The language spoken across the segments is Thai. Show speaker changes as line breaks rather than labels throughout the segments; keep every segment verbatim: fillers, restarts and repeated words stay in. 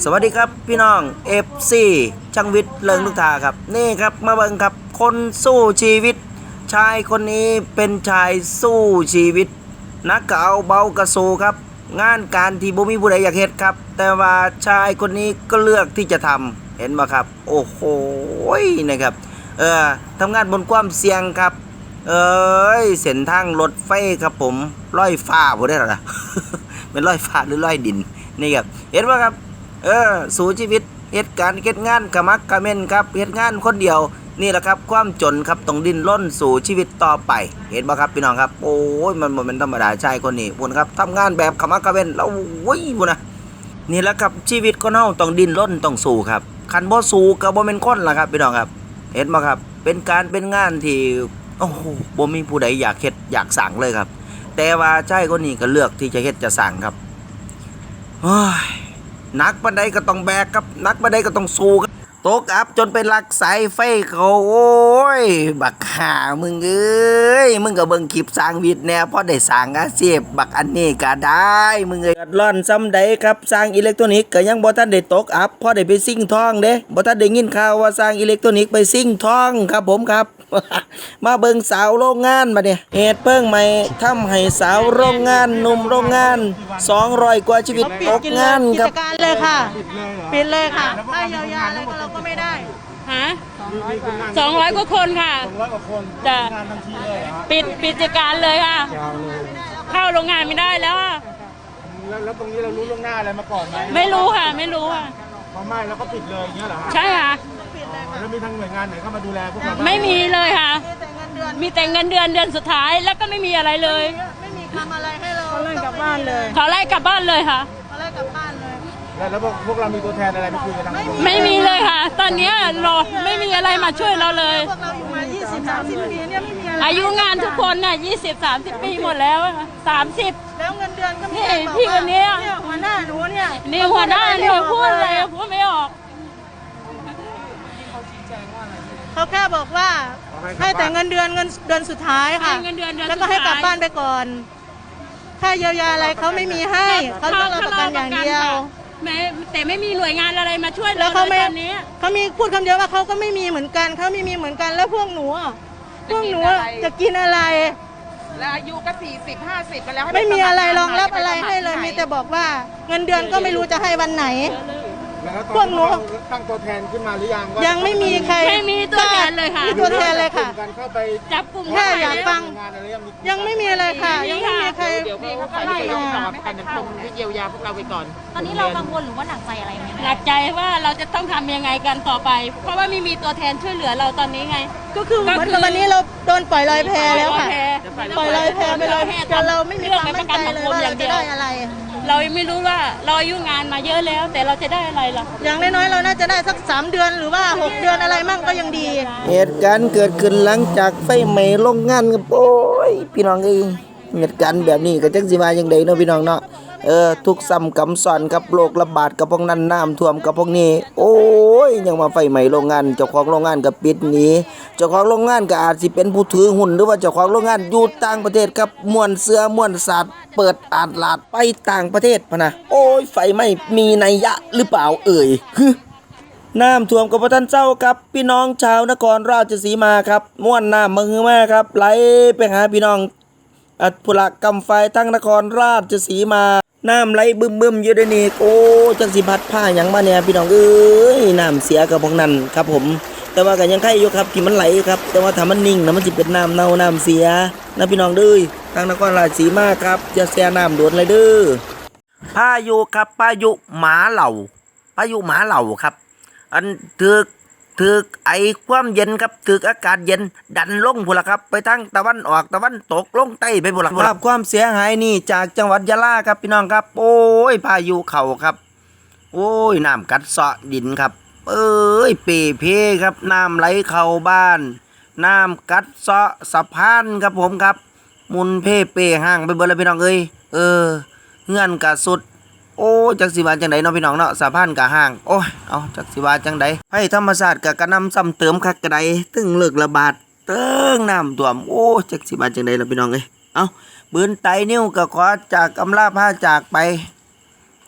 สวัสดีครับพี่น้อง เอฟ ซี ช่างวิทย์เลิงลูกทาครับนี่ครับมาเบิ่งครับคนสู้ชีวิตชายคนนี้เป็นชายสู้ชีวิตนักเอาเบากระสูครับงานการที่บ่มีผู้ใดอยากเฮ็ดครับแต่ว่าชายคนนี้ก็เลือกที่จะทำเห็นบ่ครับโอ้โหนะครับเออทำงานบนความเสี่ยงครับเอ้ยเส้นทางรถไฟครับผมลอยฟ้าบ่ได้หรอ เป็นลอยฟ้าหรือลอยดินนี่ครับเห็นบ่ครับเออสู้ชีวิตเหตุการณ์เฮ็ดงานกะมักกะเม่นครับเฮ็ดงานคนเดียวนี่แหละครับความจนครับต้องดิ้นรนสู่ชีวิตต่อไปเห็นบ่ครับพี่น้องครับโอ้ยมันบ่แม่นธรรมดาชายคนนี้พุ่นครับทำงานแบบกะมักกะเม่นแล้วโอ้ยพุ่นนะนี่แหละครับชีวิตคนเฮาต้องดิ้นรนต้องสู้ครับคันบ่สู้ก็บ่แม่นคนล่ะครับพี่น้องครับเห็นบ่ครับเป็นการเป็นงานที่โอ้โหบ่มีผู้ใดอยากเฮ็ดอยากสร้างเลยครับแต่ว่าชายคนนี้ก็เลือกที่จะเฮ็ดจะสร้างครับโอ้ยนักบันไดก็ต้องแบกครับนักบันไดก็ต้องสู้ครับตกอับจนเป็นลักสายไฟเขาโอ้ยบักห่ามึงเอ้ยมึงก็เบิ่งคลิปสร้างวิทย์แน่พอได้สร้างอาชีพบักอันนี้ก็ได้มึงเอ้ยร้อนซ้ำใดครับสร้างอิเล็กทรอนิกส์ก็ยังบ่ทันได้ตกอับพอได้ไปซิ่งทองเด้บ่ทันได้ยินข่าวว่าสร้างอิเล็กทรอนิกส์ไปซิ่งทองครับผมครับ มาเบิ่งสาวโรงงานมาเนี่ยเหตุเพลิงใหม่ทำให้สาวโรงงานหนุ่มโรงงานสองร้อยกว่าชีวิตตกงานครับ
กิจการเลยค่ะปิดเลยค่ะถ้าเยียวยาอะไรก็เราก็ไม่ได้
ฮะสองร้อยกว่าคนค่ะ
สองร้อยกว่าคน
จะ
งานทันทีเลยเหรอ
ปิดปิดกิจการเลยค่ะ เข้าโรงงานไม่ได้แล้วอะ
แล้วแล้วตรงนี้เรารู้ล่วงหน้าอะไรมาก่อนไหม
ไม่รู้ค่ะ ไม่รู้ค่ะ
พอไหม้แล้วก็ปิดเลยอย่างเงี้ยเหรอฮะ
ใช่ค่ะ
แล้วมีทางหน่วยงานไหนเข้ามาดูแลพวกเราบ้าง
ไม่มีเลยค่ะ
มีแต่เงินเดือน
มีแต่เงินเดือนเดือนสุดท้าย แล้วก็ไม่มีอะไรเลย
ไม่มีทำอะไรให้เราเขาไล่กลับบ้านเลย
เขาไล่กลับบ้านเลยค่ะ
เขาไล่กลับบ้านเลย
แล้วแล้วพวกพวกเรามีตัวแทนอะไรไปคุยกันทาง
ไม่มีเลยค่ะ ตอนเนี้ยรอไม่มีอะไรมาช่วยเราเลย
พวกเราอยู่มายี่สิบ สามสิบปีเนี่ยไม่มีอะไร
อายุงานทุกคนน่ะยี่สิบสามสิบปีหมดแล้วสามสิบ
แล้วเงินเดือนก็ไม่
นี่
ได้บอก
พี่คนนี้
เนี่ยหัวหน้าหนูเนี่ย
นี่หัวหน้าเนี่ยพูดอะไรพูดไม่ออก
เขาแค่บอกว่าให้แต่เงินเดือนเงินเดือนสุดท้ายค่ะ
ให้เงินเดือนเดือน
แล้วก็ให้กลับ
สุดท้าย
บ้านไปก่อนค่าเยียวยาอะไรเขาไม่มีให้เขาต้องเราประกันอย่างเดียว
แม้แต่ไม่มีหน่วยงานอะไรมาช่วย
แล้
เรา
วเขาไม่
ตอนนี้
เขามีพูดคำเดียวว่าเขาก็ไม่มีเหมือนกันเขาไม่มีเหมือนกันแล้วพวกหนูอะพวกหนูอะจะกินอะไร
แล้วอายุก็สี่สิบห้าสิบกันแล้วให้
ไม่มีอะไรรองรับ
ป
อะไร
สมัค
ให้เลย
ที่
มี
ไหน
แต่บอกว่าเงินเดือนก็ไม่รู้จะให้วันไหน
แล้ว
พวกหนู
ตั้งตัวแทนขึ้นมาหรือยังว่า
ยังไม่มีใคร
ไม่มีตัวแทนเลยค่ะ
มีตัวแทนเลยค่ะ
การเข้าไป
จับกลุ่ม
แค่อยากฟัง
งานอะไรยังมี
ยังไม่มีอะไรค่ะ ยังไม่มีใคร
เดี๋ยวพี่เขาไปตรวจสอบกันคงที่เยียวยาพวกเราไปก่อน
ตอนนี้เรากังวลหรือว่าหนักใจอะไรไหม
หนักใจว่าเราจะต้องทำยังไงกันต่อไป เพราะว่าไม่มีตัวแทนช่วยเหลือเราตอนนี้ไง
ก็คือเหมือนกับวันนี้เราโดนปล่อยลอยแพแล้วค่ะ ปล่อยลอยแพไปเลยจนเราไม่มีความมั่นใจเลยว่าเราจะได้อะไร
เรายังไม่รู้ว่าเราอายุงานมาเยอะแล้ว แต่เราจะได้อะไรล่ะ
อย่างน้อยๆเราน่าจะได้สักสามเดือนหรือว่าหกเดือนอะไรมั่งก็ยังดี
เหตุการณ์เกิดขึ้นหลังจากไฟไหม้โรงงานครับโอ้ยพี่น้องเอ้ยเหตุการณ์แบบนี้ก็จังสิมาจังไดเนาะพี่น้องเนาะเออทุกซ้ำกำซ้อนกับโรคระบาดกับพวกนั้นน้ำท่วมกับพวกนี้โอ้ยยังมาไฟไหม้โรงงานเจ้าของโรงงานก็ปิดหนีเจ้าของโรงงานก็อาจสิเป็นผู้ถือหุ้นหรือว่าเจ้าของโรงงานอยู่ต่างประเทศครับม่วนเสื้อม่วนสัตว์เปิดอาดลาดไปต่างประเทศพะนะโอ้ยไฟไหม้มีนัยยะหรือเปล่าเอ่ยฮึน้ำท่วมกับพระท่านเจ้าครับพี่น้องชาวนครราชสีมาครับม่วนน้ำมือแม่ครับไหลไปหาพี่น้องอัดผลักกำไฟทั้งนครราชสีมาน้ำไหลบึมบึมอยู่ในนี่โอ้จังสิพัดผ้าหยังมาเนี่ยพี่น้องเอ้ยน้ำเสียกับพวกนั้นครับผมแต่ว่าก็ยังไข่อยู่ครับที่มันไหลครับแต่ว่าถ้ามันนิ่งนะมันสิเป็นน้ำเน่าน้ำเสียนะพี่น้องเด้อทางนครราชสีมาครับจะเสียน้ำโดนเลยเด้อพายุครับพายุหมาเหล่าพายุหมาเหล่าครับอันถึกถึกไอความเย็นครับถึกอากาศเย็นดันลงพุ่นละครับไปทางตะวันออกตะวันตกลงใต้ไปพุ่นละภาพความเสียหายนี่จากจังหวัดยะลาครับพี่น้องครับโอ้ยพายุเข่าครับโอ้ยน้ำกัดเซาะดินครับเอ้ยเปเพครับน้ำไหลเข้าบ้านน้ำกัดเซาะสะพานครับผมครับมุนเพ่เปห่างไปเบิดเลยพี่น้องเอ้ยเออเงื่อนกะสุดโอ้จักสิวาจังไดเนาะพี่น้องเนาะสะพานกะห่างโอ้ยเอาจักสิวาจังไดให้ธรรมชาติกะกระนำซ้ำเติมคักกระไดตึงเลิกระบาดเติงน้ำท่วมโอ้จักสิวาจังไดล่ะพี่น้องเอ้ยเอาบืนไตนิ้วก็ขอจากอำลาพาจากไป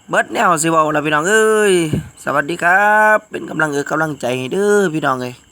เบิดแนวสิเว้าล่ะพี่น้องเอ้ยสวัสดีครับเป็นกำลังเออกำลังใจให้เด้อพี่น้องเอ้ย